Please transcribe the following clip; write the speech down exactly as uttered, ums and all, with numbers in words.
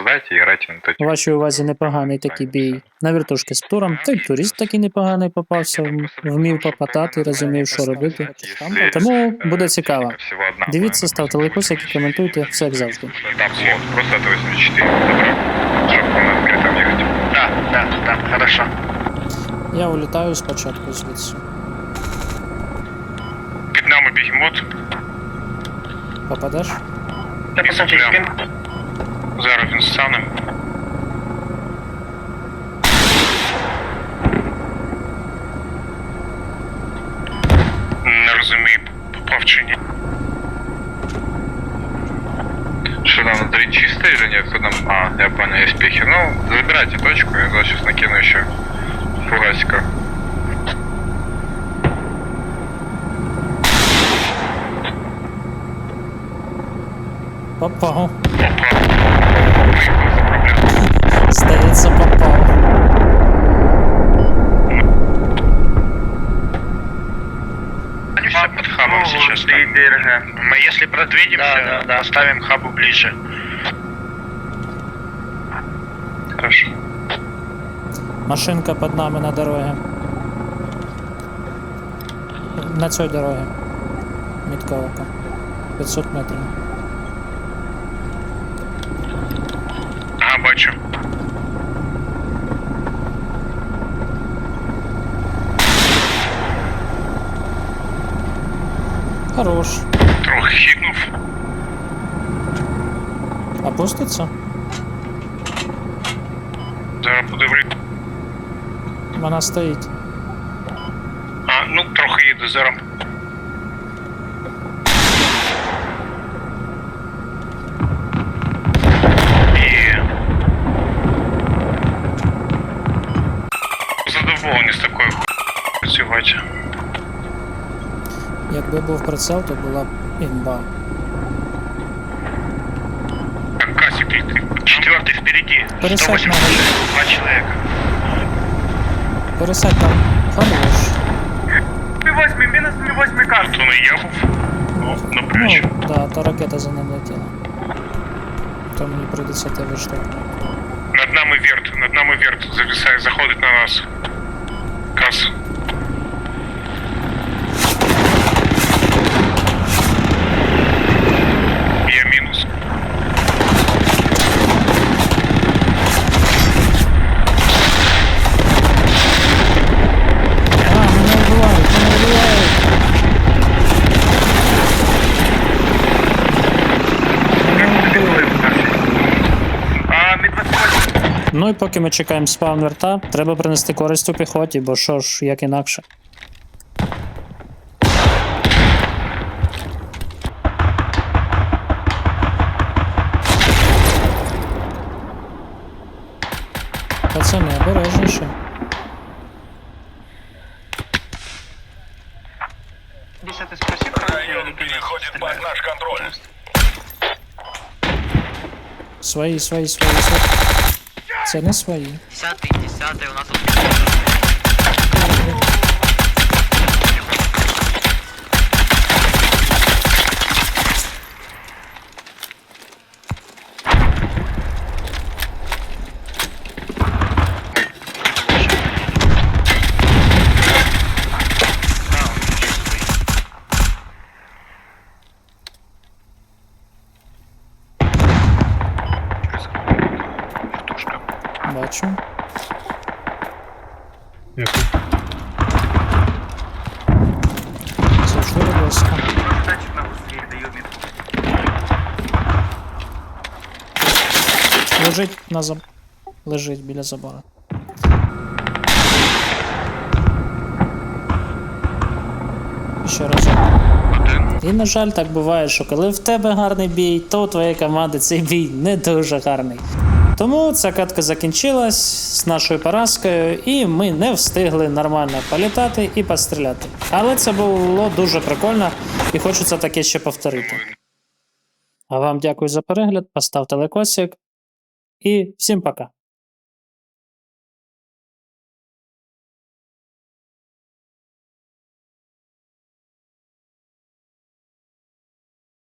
оставляйте, играйте на У вашій увазі непоганий такий бій на вертушки з птуром, та й турист такий непоганий попався, м- вмів попатати, розумів, що робити. Тому буде цікаво. Дивіться, ставте лайкосик і коментуйте, все як завжди. Там слот, просто это восемьдесят четыре, добро, чтобы на открытом ехать. Да, да, да, хорошо. Я улітаю спочатку звідси. Під нами бігемот. Попадеш? Та посадіть спин. Зараз він стане. Не розумію, попав чи ні. Что там внутри чисто или нет? Кто там? А, я понял, есть пехи. Ну, забирайте точку, я туда сейчас накину еще фугасика. Попав. Попав. Виїхав за проблему. Здається, попав. Они все под хабом сейчас. Мы если продвинемся, да, да, да. Поставим хабу ближе. Хорошо. Машинка під нами на дорогі. На цій дорогі. Мітка ока. п'ятсот метрів. Ага, бачу. Хорош. Трохи хитнув. Опуститься? Зараз подивлюсь. Вона стоїть. А, ну трохи їде зараз. Є. Задоволений з такою хуйнею працювати. Якби був прицел, то була б імба. Так, Касик летит. Четвертый впереди. Пересадь сто восемьдесят два человека. Пересадь там. Хорош. Ми восьмий, мінус ми восьмий касик. То не я був. Ну, напрячу. Ну, да, та ракета за ним летіла. То мені прийдеться тебе штовхнути. Над нами верт, над нами верт зависає, заходить на нас. Кас. Я мінус. А, мене вбивають, мене вбивають. Мене вбили. А, ми двадцять восьмий. Ну і поки ми чекаємо спаун верта, треба принести користь у піхоті, бо що ж, як інакше. Пацани, обережніше. Десятый спроси, Район переходит под наш контроль. Свої, свої, свої, свої. Це не свої. Десятый, десятый, у нас тут... Бачу. Це що робилося? Лежить на заб... Лежить біля забора. Ще раз. І, на жаль, так буває, що коли в тебе гарний бій, то у твоєї команди цей бій не дуже гарний. Тому ця катка закінчилась з нашою поразкою, і ми не встигли нормально політати і постріляти. Але це було дуже прикольно, і хочеться таке ще повторити. А вам дякую за перегляд, поставте лайкосик, і всім пока.